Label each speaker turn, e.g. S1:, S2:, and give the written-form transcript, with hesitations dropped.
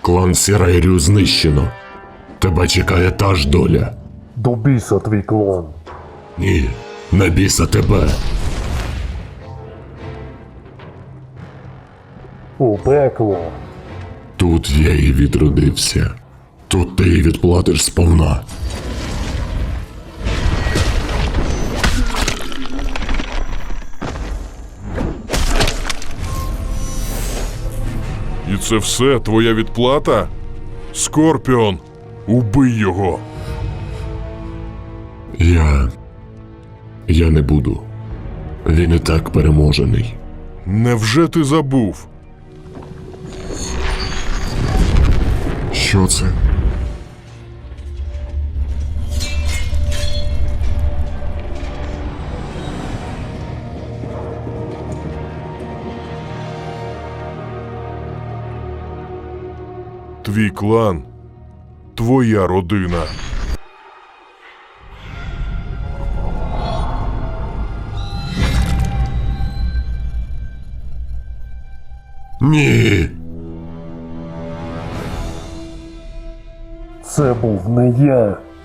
S1: Клан Сірайрю знищено. Тебе чекає та ж доля.
S2: До біса твій клан.
S1: Ні, на біса тебе.
S2: У пекло.
S1: Тут я і відродився. Тут ти і відплатиш сповна.
S3: І це все твоя відплата? Скорпіон, убий його.
S1: Я не буду. Він і так переможений.
S3: Невже ти забув?
S1: Що це?
S3: Твій клан, твоя родина.
S1: Ні!
S2: Це був не я.